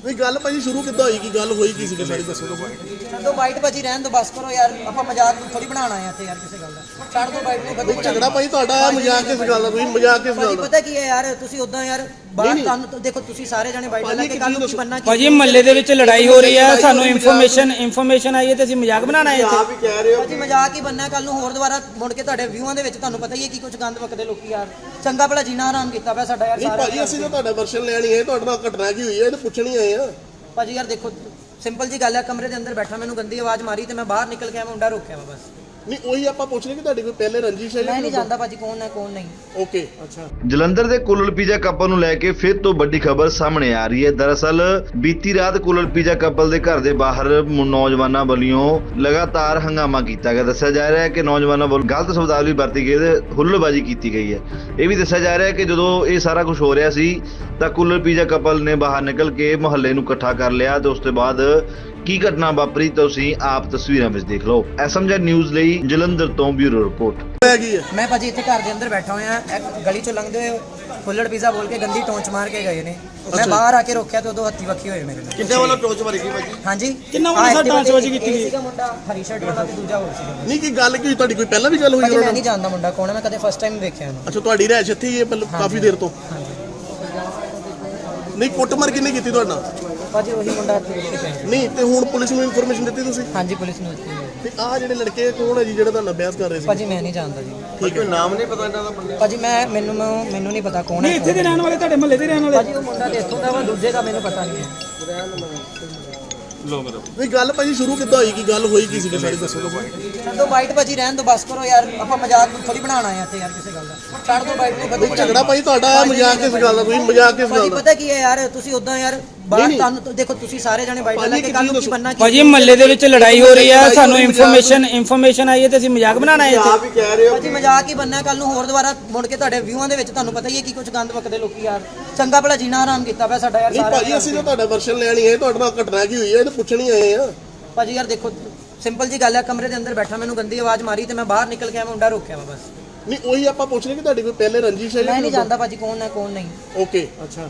ਨਹੀਂ ਗੱਲ ਭਾਜੀ ਸ਼ੁਰੂ ਕਿੱਦਾਂ ਹੋਈ ਕੀ ਗੱਲ ਹੋਈ ਕੀ ਸੀ ਸਾਰੀ ਦੱਸੋ ਤੁਸੀਂ। ਛੱਡ ਦੋ ਬਾਈਟ ਭਾਜੀ ਰਹਿਣ ਦੋ ਬਸ ਕਰੋ ਯਾਰ ਆਪਾਂ ਮਜ਼ਾਕ ਥੋੜੀ ਬਣਾਉਣਾ ਹੈ ਇੱਥੇ ਯਾਰ ਕਿਸੇ ਗੱਲ ਦਾ ਛੱਡ ਦੋ ਬਾਈਟ ਨੂੰ ਕਦੋਂ ਝਗੜਾ ਭਾਜੀ ਤੁਹਾਡਾ ਮਜ਼ਾਕ ਕਿਸ ਗੱਲ ਦਾ ਤੁਸੀਂ ਮਜ਼ਾਕ ਕਿਸ ਗੱਲ ਦਾ ਪਤਾ ਕੀ ਹੈ ਯਾਰ ਤੁਸੀਂ ਉਦਾਂ ਯਾਰ ਬਾਹਰ ਤੁਹਾਨੂੰ ਦੇਖੋ ਤੁਸੀਂ ਸਾਰੇ ਜਣੇ ਬਾਈਟ ਲਾ ਕੇ ਕੱਲ ਨੂੰ ਕੀ ਬੰਨਾ ਭਾਜੀ ਮਹੱਲੇ ਦੇ ਵਿੱਚ ਲੜਾਈ ਹੋ ਰਹੀ ਹੈ ਸਾਨੂੰ ਇਨਫੋਰਮੇਸ਼ਨ ਆਈ ਹੈ ਤੇ ਅਸੀਂ ਮਜ਼ਾਕ ਬਣਾਉਣਾ ਹੈ ਆਪ ਹੀ ਕਹਿ ਰਹੇ ਹੋ ਭਾਜੀ ਮਜ਼ਾਕ ਹੀ ਬੰਨਾ ਕੱਲ ਨੂੰ ਹੋਰ ਦੁਬਾਰਾ ਮੁੜ ਕੇ ਤੁਹਾਡੇ ਵਿਊਆਂ ਦੇ ਵਿੱਚ ਤੁਹਾਨੂੰ ਪਤਾ ਹੀ ਹੈ ਕੀ ਕੁਝ ਗੰਦ ਵਕਦੇ ਲੋਕੀ ਯਾਰ ਚੰਗਾ ਭਲਾ ਜੀਣਾ ਆਰਾਮ ਕੀਤਾ ਪਿਆ ਸਾਡਾ ਯਾਰ ਨਹੀਂ ਸਾਰਾ ਭਾਜੀ ਅਸੀਂ ਤਾਂ ਤੁਹਾਡਾ ਵਰਸ਼ਨ ਲੈਣੀ ਹੈ ਤੁਹਾਡੇ ਨਾਲ ਘਟਨਾ ਕੀ ਹੋਈ ਹੈ ਇਹਨੂੰ ਪੁੱਛਣੀ ਆਏ ਆ ਭਾਜੀ ਯਾਰ ਦੇਖੋ ਸਿੰਪਲ ਜੀ ਗੱਲ ਹੈ ਕਮਰੇ ਦੇ ਅੰਦਰ ਬੈਠਾ ਮੈਨੂੰ ਗੰਦੀ ਆਵਾਜ਼ ਮਾਰੀ ਤੇ ਮੈਂ ਬਾਹਰ ਨਿਕਲ ਕੇ ਆਇਆ ਮੁੰਡਾ ਰੋਕਿਆ ਵਾ ਬਸ ਨਹੀਂ ਉਹੀ ਆਪਾਂ ਪੁੱਛ ਰਹੇ ਕਿ ਤੁਹਾਡੀ ਕੋਈ ਪਹਿਲੇ ਰੰਜਿਸ਼ ਹੈ ਮੈਂ ਨਹੀਂ ਜਾਣਦਾ ਭਾਜੀ ਕੌਣ ਹੈ ਕੌਣ ਨਹੀਂ ਓਕੇ ਅੱਛਾ ਜਲੰਧਰ ਦੇ ਕੁਲਲ ਪੀਜ਼ਾ ਕਪਲ ਨੂੰ ਲੈ ਕੇ ਫਿਰ ਤੋਂ ਵੱਡੀ ਖਬਰ ਸਾਹਮਣੇ ਆ ਰਹੀ ਹੈ। ਦਰਅਸਲ ਬੀਤੀ ਰਾਤ ਕੁਲਲ ਪੀਜ਼ਾ ਕਪਲ ਦੇ ਘਰ ਦੇ ਬਾਹਰ ਨੌਜਵਾਨਾਂ ਵੱਲੋਂ ਲਗਾਤਾਰ ਹੰਗਾਮਾ ਕੀਤਾ ਗਿਆ। ਦੱਸਿਆ ਜਾ ਰਿਹਾ ਹੈ ਕਿ ਨੌਜਵਾਨਾਂ ਵੱਲੋਂ ਗਲਤ ਸ਼ਬਦਾਵਲੀ ਵਰਤੀ ਗਈ ਤੇ ਹੁੱਲੜਬਾਜ਼ੀ ਕੀਤੀ ਗਈ ਹੈ। ਇਹ ਵੀ ਦੱਸਿਆ ਜਾ ਰਿਹਾ ਹੈ ਕਿ ਜਦੋਂ ਇਹ ਸਾਰਾ ਕੁਝ ਹੋ ਰਿਹਾ ਸੀ ਤਾਂ ਕੁਲਲ ਪੀਜ਼ਾ ਕਪਲ ਨੇ ਬਾਹਰ ਨਿਕਲ ਕੇ ਮੁਹੱਲੇ ਨੂੰ ਇਕੱਠਾ ਕਰ ਲਿਆ ਤੇ ਉਸ ਤੋਂ ਬਾਅਦ ਕੀ ਘਟਨਾ ਵਾਪਰੀ ਤੁਸੀਂ ਆਪ ਤਸਵੀਰਾਂ ਵਿੱਚ ਦੇਖ ਲਓ। ਐਸਐਮਜੀ ਨਿਊਜ਼ ਲਈ ਜਲੰਧਰ ਤੋਂ ਬਿਊਰੋ ਰਿਪੋਰਟ। ਹੈਗੀ ਹੈ ਮੈਂ ਭਾਜੀ ਇੱਥੇ ਘਰ ਦੇ ਅੰਦਰ ਬੈਠਾ ਹੋਇਆ ਇੱਕ ਗਲੀ ਚੋਂ ਲੰਘਦੇ ਹੋਏ ਫੁੱਲੜ ਪੀਜ਼ਾ ਬੋਲ ਕੇ ਗੰਦੀ ਟੋਂਚ ਮਾਰ ਕੇ ਗਏ ਨੇ ਮੈਂ ਬਾਹਰ ਆ ਕੇ ਰੋਕਿਆ ਤੇ ਉਦੋਂ ਹੱਥੀ ਵੱਖੀ ਹੋਏ ਮੇਰੇ ਨਾਲ ਕਿੰਨੇ ਵੱਲੋਂ ਟੋਚ ਮਾਰੀ ਗਈ ਭਾਜੀ ਹਾਂਜੀ ਕਿੰਨਾ ਵੱਲੋਂ ਸਾਡਾ ਟਾਂਚਬਾਜ਼ੀ ਕੀਤੀ ਗਈ? ਸੀਗਾ ਮੁੰਡਾ ਹਰੀ ਸ਼ਰਟ ਵਾਲਾ ਤੇ ਦੂਜਾ ਹੋਰ ਸੀਗਾ ਨਹੀਂ ਕੀ ਗੱਲ ਕੀ ਹੋਈ ਤੁਹਾਡੀ ਕੋਈ ਪਹਿਲਾਂ ਵੀ ਗੱਲ ਹੋਈ ਭਾਜੀ ਉਹਨਾਂ ਮੈਂ ਨਾਲ ਨਹੀਂ ਜਾਣਦਾ ਮੁੰਡਾ ਕੌਣ ਹੈ ਮੈਂ ਕਦੇ ਫਸਟ ਟਾਈਮ ਵੇਖਿਆ ਇਹਨੂੰ ਅੱਛਾ ਤੁਹਾਡੀ ਰਹਿਸ਼ ਇੱਥੇ ਹੀ ਹੈ ਕਾਫੀ ਦੇਰ ਤੋਂ ਨਹੀਂ ਕੁੱਟਮਾਰ ਕਿੰਨੇ ਕੀਤੀ ਤੁਹਾਡੇ ਨਾਲ ਭਾਜੀ ਉਹੀ ਮੁੰਡਾ ਇੱਥੇ ਰੁਕ ਕੇ ਪਿਆ ਨਹੀਂ ਤੇ ਹੁਣ ਪੁਲਿਸ ਨੂੰ ਇਨਫੋਰਮੇਸ਼ਨ ਦਿੱਤੀ ਤੁਸੀਂ ਹਾਂਜੀ ਪੁਲਿਸ ਨੂੰ ਦਿੱਤੀ ਹੈ। ਤੇ ਆਹ ਜਿਹੜੇ ਲੜਕੇ ਕੌਣ ਹੈ ਜੀ ਜਿਹੜਾ ਤੁਹਾਡਾ ਬਹਿਸ ਕਰ ਰਹੇ ਸੀ ਭਾਜੀ ਮੈਂ ਨਹੀਂ ਜਾਣਦਾ ਜੀ ਠੀਕ ਹੈ ਨਾਮ ਨਹੀਂ ਪਤਾ ਇਹਨਾਂ ਦਾ ਬੰਦੇ ਭਾਜੀ ਮੈਨੂੰ ਨਹੀਂ ਪਤਾ ਕੌਣ ਹੈ ਇੱਥੇ ਦੇ ਰਹਿਣ ਵਾਲੇ ਤੁਹਾਡੇ ਮਹੱਲੇ ਦੇ ਰਹਿਣ ਵਾਲੇ ਭਾਜੀ ਉਹ ਮੁੰਡਾ ਤੇ ਇੱਥੋਂ ਦਾ ਵਾ ਦੂਜੇ ਦਾ ਮੈਨੂੰ ਪਤਾ ਨਹੀਂ ਹੈ ਨਹੀਂ ਗੱਲ ਭਾਜੀ ਸ਼ੁਰੂ ਕਿੱਦਾਂ ਹੋਈ ਕੀ ਗੱਲ ਹੋਈ ਕੀ ਸੀ ਸਾਰੀ ਦੱਸੋ ਤੁਸੀਂ। ਛੱਡ ਦੋ ਬਾਈਟ ਭਾਜੀ ਰਹਿਣ ਦੋ ਬਸ ਕਰੋ ਯਾਰ ਆਪਾਂ ਮਜ਼ਾਕ ਥੋੜੀ ਬਣਾਉਣਾ ਹੈ ਇੱਥੇ ਯਾਰ ਕਿਸੇ ਗੱਲ ਦਾ ਛੱਡ ਦੋ ਬਾਈਟ ਨੂੰ ਕਦੋਂ ਝਗੜਾ ਭਾਜੀ ਤੁਹਾਡਾ ਮਜ਼ਾਕ ਕਿਸ ਗੱਲ ਦਾ ਤੁਸੀਂ ਮਜ਼ਾਕ ਕਿਸ ਗੱਲ ਭਾਜੀ ਦਾ ਪਤਾ ਕੀ ਹੈ ਯਾਰ ਤੁਸੀਂ ਉਦਾਂ ਯਾਰ ਬਾਹਰ ਤੁਹਾਨੂੰ ਦੇਖੋ ਤੁਸੀਂ ਸਾਰੇ ਜਣੇ ਬਾਈਟ ਲਾ ਕੇ ਕੱਲ ਨੂੰ ਕੀ ਬੰਨਾ ਭਾਜੀ ਮਹੱਲੇ ਦੇ ਵਿੱਚ ਲੜਾਈ ਹੋ ਰਹੀ ਹੈ ਸਾਨੂੰ ਇਨਫੋਰਮੇਸ਼ਨ ਆਈ ਹੈ ਤੇ ਅਸੀਂ ਮਜ਼ਾਕ ਬਣਾਉਣਾ ਹੈ ਆਪ ਹੀ ਕਹਿ ਰਹੇ ਹੋ ਭਾਜੀ ਮਜ਼ਾਕ ਹੀ ਬੰਨਾ ਕੱਲ ਨੂੰ ਹੋਰ ਦੁਬਾਰਾ ਮੁੜ ਕੇ ਤੁਹਾਡੇ ਵਿਊਆਂ ਦੇ ਵਿੱਚ ਤੁਹਾਨੂੰ ਪਤਾ ਹੀ ਹੈ ਕੀ ਕੁਝ ਗੰਦ ਵਕਦੇ ਲੋਕੀ ਯਾਰ ਚੰਗਾ ਭਲਾ ਜੀਣਾ ਆਰਾਮ ਕੀਤਾ ਪਿਆ ਸਾਡਾ ਯਾਰ ਨਹੀਂ ਸਾਰਾ ਭਾਜੀ ਅਸੀਂ ਤਾਂ ਤੁਹਾਡਾ ਵਰਸ਼ਨ ਲੈਣੀ ਹੈ ਤੁਹਾਡੇ ਨਾਲ ਘਟਨਾ ਕੀ ਹੋਈ ਹੈ ਇਹਨੂੰ ਪੁੱਛਣੀ ਆਏ ਆ ਭਾਜੀ ਯਾਰ ਦੇਖੋ ਸਿੰਪਲ ਜੀ ਗੱਲ ਹੈ ਕਮਰੇ ਦੇ ਅੰਦਰ ਬੈਠਾ ਮੈਨੂੰ ਗੰਦੀ ਆਵਾਜ਼ ਮਾਰੀ ਤੇ ਮੈਂ ਬਾਹਰ ਨਿਕਲ ਕੇ ਆਇਆ ਮੁੰਡਾ ਰੋਕਿਆ ਵਾ ਬਸ ਨਹੀਂ ਉਹੀ ਆਪਾਂ ਪੁੱਛ ਰਹੇ ਕਿ ਤੁਹਾਡੀ ਕੋਈ ਪਹਿਲੇ ਰੰਜਿਸ਼ ਹੈ ਮੈਂ ਨਹੀਂ ਜਾਣਦਾ ਭਾਜੀ ਕੌਣ ਹੈ ਕੌਣ ਨਹੀਂ ਓਕੇ ਅੱਛਾ